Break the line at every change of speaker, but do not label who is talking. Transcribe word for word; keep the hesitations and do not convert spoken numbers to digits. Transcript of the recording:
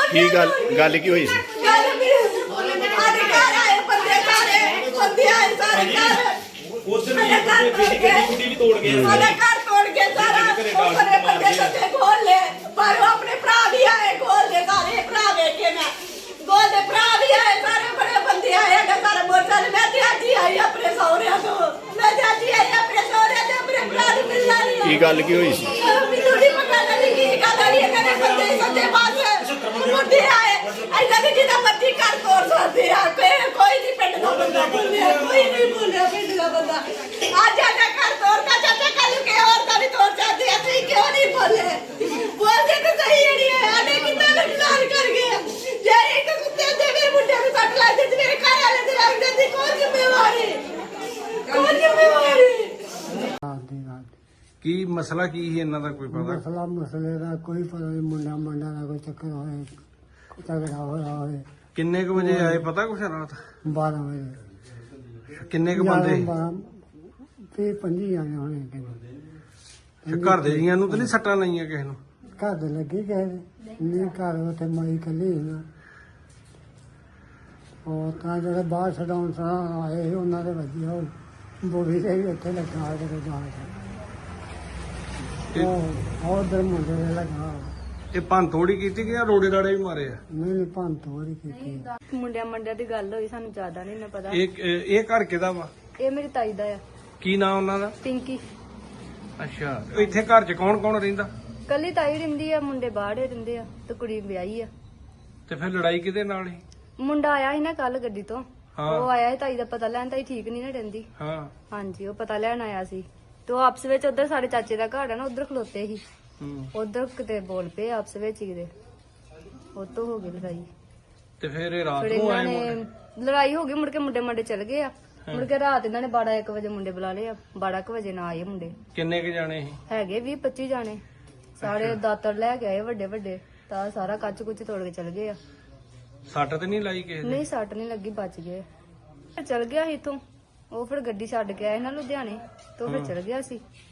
ਕੀ ਗੱਲ ਗੱਲ ਕੀ ਹੋਈ ਸੀ?
घर भी हमारे घर आए बंदे सारे बंदे आए सारे घर
उधर भी बेटी बेटी गुड्डी भी तोड़ गए
हमारा घर तोड़ के सारा ऊपर बंदे सच्चे खोल ले पर वो अपने भरा भी आए खोल दे सारे भरा देखे मैं गोल दे भरा भी आए सारे बड़े बंदे आए अगर सारे मोटरसाइकिल मैं त्याजी आई अपने सौरे तो मैं त्याजी आई अपने सौरे ते अपने भरा दी मिल रही
ਕੀ ਗੱਲ ਕੀ ਹੋਈ ਸੀ?
ਮੈਨੂੰ ਨਹੀਂ ਪਤਾ ਲੱਗੀ ਕੀ ਗੱਲ ਹੈ ਇਹ ਕਹਿੰਦੇ ਬੰਦੇ ਸੱਚੇ ਪਾਸੇ ਮੁੰਡੇ ਆਏ ਐਦਾਂ ਦੀ ਜਿਹਦਾ ਮਰਜ਼ੀ ਘਰ ਤੋੜ ਸਕਦੇ ਆ ਕੋਈ ਕੋਈ ਨਹੀਂ ਪਿੰਡ ਦਾ ਬੰਦਾ ਬੋਲਿਆ ਕੋਈ ਨਹੀਂ ਬੋਲਿਆ ਪਿੰਡ ਦਾ ਬੰਦਾ ਅੱਜ ਆਜਾ ਘਰ ਤੋੜਦਾ ਚਾਚਾ ਕੱਲ ਕੇ ਹੋਰ ਤਾਂ ਨਹੀਂ ਤੋੜ ਸਕਦੇ ਅਸੀਂ ਕਿਉਂ ਨਹੀਂ ਬੋਲੇ ਬੋਲਦੇ ਤਾਂ ਸਹੀ ਜਿਹੜੀ ਹੈ ਆਨੇ ਕਿੰਨਾ ਨੁਕਸਾਨ ਕਰ ਗਏ ਜੇ ਇੱਕ ਕੁੱਤੇ ਦੇ ਮੇਰੇ ਮੁੰਡੇ ਨੂੰ ਕੱਟ ਲੱਗ ਜਾਂਦੀ ਮੇਰੇ ਘਰ ਵਾਲੇ ਦੇ ਲੱਗ ਜਾਂਦੀ ਕੌਣ ਜ਼ਿੰਮੇਵਾਰੀ ਕੌਣ ਜ਼ਿੰਮੇਵਾਰੀ
ਕੀ ਮਸਲਾ ਕੀ ਸੀ ਇਹਨਾਂ ਦਾ ਕੋਈ ਪਤਾ?
ਮਸਲਾ ਮਸਲੇ ਦਾ ਕੋਈ ਪਤਾ ਨਹੀਂ ਮੁੰਡਾ ਮੁੰਡਾ ਦਾ ਕੋਈ ਚੱਕਰ ਹੋਏ ਝਗੜਾ ਹੋਇਆ ਹੋਵੇ
ਕਿੰਨੇ ਕੁ ਵਜੇ ਆਏ ਪਤਾ ਕੁਛ ਰਾਤ?
ਬਾਰਾਂ ਵਜੇ
ਕਿੰਨੇ ਕੁ ਬੰਦੇ ਸੀ?
ਤੇ ਪੰਜੀ ਆਏ ਹੋਣੇ ਕਿੰਨੇ
ਤੇ ਘਰ ਦੇ ਜੀਆਂ ਨੂੰ ਤਾਂ ਨਹੀਂ ਸੱਟਾਂ ਲਾਈਆਂ ਕਿਸੇ ਨੂੰ?
ਘਰ ਦੇ ਲੱਗੀ ਗਏ ਨਹੀਂ ਘਰ ਉੱਥੇ ਮਾਈ ਕੱਲੀ ਸੀ ਨਾ ਉਹ ਤਾਂ ਜਿਹੜੇ ਬਾਹਰ ਛਡਾਉਣ ਸਾਂ ਆਏ ਸੀ ਉਹਨਾਂ ਦੇ ਵਧੀਆ ਉਹ ਬੋੜੀ ਦੇ ਵੀ ਉੱਥੇ ਲੱਗਾ ਜਦੋਂ ਜਾ ਉਹ ਉਧਰ ਮੁੰਡੇ ਦੇ ਲੱਗਾ
ਇਹ ਭੰਨ ਤੋੜੀ ਕੀਤੀ ਕਿ ਜਾਂ ਰੋੜੇ ਰਾੜੇ ਵੀ ਮਾਰੇ ਆ?
ਨਹੀਂ ਨਹੀਂ ਭੰਨ ਤੋੜੀ ਕੀਤੀ
ਮੁੰਡਿਆਂ ਮੰਡਿਆਂ ਦੀ ਗੱਲ ਹੋਈ ਸਾਨੂੰ ਜ਼ਿਆਦਾ ਨਹੀਂ ਨਾ ਪਤਾ
ਇਹ ਇਹ ਘਰ ਕਿਹਦਾ ਵਾ?
ਇਹ ਮੇਰੀ ਤਾਈ ਦਾ ਆ
ਕੀ ਨਾਂ ਉਹਨਾਂ ਦਾ?
ਪਿੰਕੀ
ਅੱਛਾ ਇੱਥੇ ਘਰ 'ਚ ਕੌਣ ਕੌਣ ਰਹਿੰਦਾ?
ਕੱਲੀ ਤਾਈ ਰਹਿੰਦੀ ਆ ਮੁੰਡੇ ਬਾਹਰੇ ਰਹਿੰਦੇ ਆ ਤੇ ਕੁੜੀ ਵਿਆਹੀ ਆ
ਤੇ ਫਿਰ ਲੜਾਈ ਕਿਹਦੇ ਨਾਲ ਸੀ?
ਮੁੰਡਾ ਆਇਆ ਸੀ ਨਾ ਕੱਲ ਗੱਡੀ ਤੋਂ
ਹਾਂ।
ਉਹ ਆਇਆ ਸੀ ਤਾਈ ਦਾ ਪਤਾ ਲੈਣ ਤਾਈ ਠੀਕ ਨਹੀਂ ਨਾ ਰਹਿੰਦੀ
ਹਾਂ
ਹਾਂਜੀ ਉਹ ਪਤਾ ਲੈਣ ਆਇਆ ਸੀ ਤੇ ਉਹ ਆਪਸ ਵਿੱਚ ਉਧਰ ਸਾਡੇ ਚਾਚੇ ਦਾ ਘਰ ਆ ਨਾ ਉਧਰ ਖਲੋਤੇ ਸੀ
ਹੂੰ।
ਉਧਰ ਕਿਤੇ ਬੋਲ ਪਏ ਆਪਸ ਵਿੱਚ ਹੀ ਕਿਤੇ ਉਹ ਤੋਂ ਹੋ ਗਈ ਲੜਾਈ
ਤੇ ਫਿਰ ਇਹ ਰਾਤ
ਫਿਰ
ਨੂੰ
ਇਹਨਾਂ
ਆਏ
ਨੇ
ਮੁੰਡੇ?
ਲੜਾਈ ਹੋ ਗਈ ਮੁੜ ਕੇ ਮੁੰਡੇ ਮੰਡੇ ਚਲ ਗਏ ਆ ਮੁੜ ਕੇ ਰਾਤ ਇਹਨਾਂ ਨੇ ਬਾਰਾਂ ਇੱਕ ਵਜੇ ਮੁੰਡੇ ਬੁਲਾ ਲਏ ਆ ਬਾਰਾਂ ਕੁ ਵਜੇ ਨਾ ਆਏ ਮੁੰਡੇ
ਕਿੰਨੇ ਕੁ ਜਾਣੇ ਸੀ?
ਹੈਗੇ ਵੀਹ ਪੱਚੀ ਜਾਣੇ ਸਾਰੇ ਦਾਤਰ ਲੈ ਕੇ ਆਏ ਵੱਡੇ ਵੱਡੇ ਤਾਂ ਸਾਰਾ ਕੱਚ ਕੁੱਚ ਤੋੜ ਕੇ ਚਲ ਗਏ ਆ
ਸੱਟ ਤੇ ਨਹੀਂ ਲਾਈ ਕਿਸੇ ਦੇ?
ਨਹੀਂ ਸੱਟ ਨਹੀਂ ਲੱਗੀ ਬਚ ਗਏ ਚਲ ਗਿਆ ਸੀ ਇਥੋਂ ਉਹ ਫਿਰ ਗੱਡੀ ਛੱਡ ਕੇ ਆਏ ਨਾ ਲੁਧਿਆਣੇ ਤੋਂ ਫਿਰ ਚਲ ਗਿਆ ਸੀ